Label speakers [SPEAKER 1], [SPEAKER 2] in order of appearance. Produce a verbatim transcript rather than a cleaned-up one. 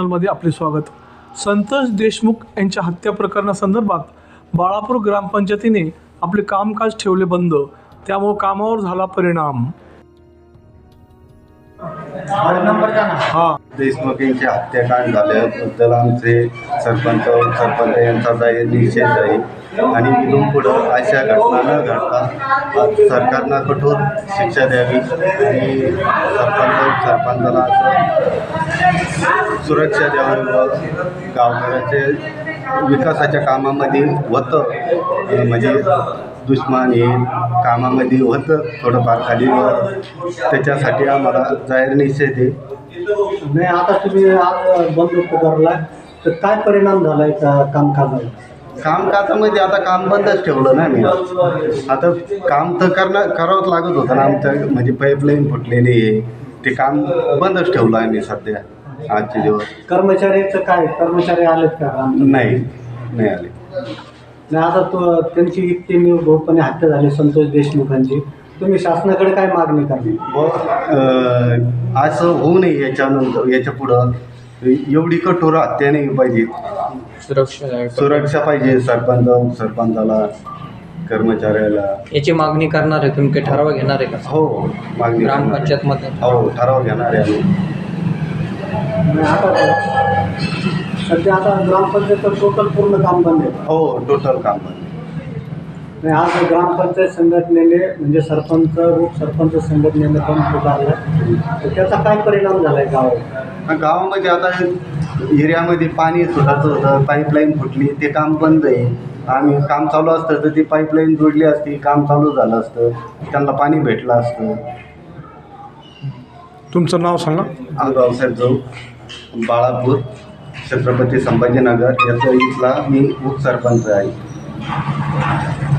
[SPEAKER 1] चॅनलमध्ये आपले स्वागत। संतोष देशमुख यांच्या हत्या प्रकरणासंदर्भात बाळापूर ग्रामपंचायतीने आपले कामकाज ठेवले बंद, त्यामुळे कामावर झाला परिणाम।
[SPEAKER 2] हा देशमुख यांची हत्याकांड झाल्याबद्दल आमचे सरपंच सरपंच यांचा जाहीर निषेध आहे आणि इथून पुढं अशा घटना न घडता सरकारनं कठोर शिक्षा द्यावी आणि सरपंच सरपंचाला असं सुरक्षा द्यावी व गावकऱ्याचे विकासाच्या कामामध्ये होतं म्हणजे दुश्मन हे कामामध्ये होतं थोडंफार खालीवर, त्याच्यासाठी आम्हाला जाहीर निषेध आहे।
[SPEAKER 3] नाही आता तुम्ही आज बंद पुकारला तर काय परिणाम झाला आहे का कामकाजाला?
[SPEAKER 2] कामकाजामध्ये आता काम बंदच ठेवलं ना मी। आता काम तर करणं करावंच लागत होतं ना, आमचं म्हणजे पाईपलाईन फुटलेली आहे, ते काम बंदच ठेवलं आहे मी सध्या आजचे दिवस।
[SPEAKER 3] कर्मचाऱ्याचं काय, कर्मचारी आलेत का?
[SPEAKER 2] नाही नाही आले
[SPEAKER 3] नाही आता तो त्यांची इतकी निर्भोपणे हत्या झाली संतोष देशमुखांची, तुम्ही शासनाकडे काय मागणी करणार?
[SPEAKER 2] व असं होऊ नये याच्यानंतर, याच्या पुढं एवढी कठोर हत्या नाही पाहिजे,
[SPEAKER 4] सुरक्षा
[SPEAKER 2] सुरक्षा पाहिजे सरपंच सरपंचाला कर्मचाऱ्याला।
[SPEAKER 4] याची मागणी करणार आहे तुम्ही? काही ठराव घेणार आहे का?
[SPEAKER 2] हो मागणी
[SPEAKER 4] ग्रामपंचायत मध्ये
[SPEAKER 2] हो ठराव घेणार आहे
[SPEAKER 3] आणि आता सध्या आता ग्रामपंचायत टोटल पूर्ण काम बंद आहे?
[SPEAKER 2] हो टोटल काम बंद।
[SPEAKER 3] आणि आज ग्रामपंचायत संघटनेने म्हणजे सरपंच उपसरपंच संघटनेने पण पुकारला, तर त्याचा काय परिणाम झाला आहे गावात?
[SPEAKER 2] गावामध्ये आता एरियामध्ये पाणी सुटायचं होतं, पाईपलाईन फुटली, ते काम बंद आहे। आम्ही काम चालू असतं तर ती पाईपलाईन जोडली असती, काम चालू झालं असतं, त्यांना पाणी भेटलं असतं।
[SPEAKER 1] तुमचं नाव सांगा?
[SPEAKER 2] रावसाहेब जाऊ, बाळापूर, छत्रपती संभाजीनगर याचा इथला मी उपसरपंच आहे।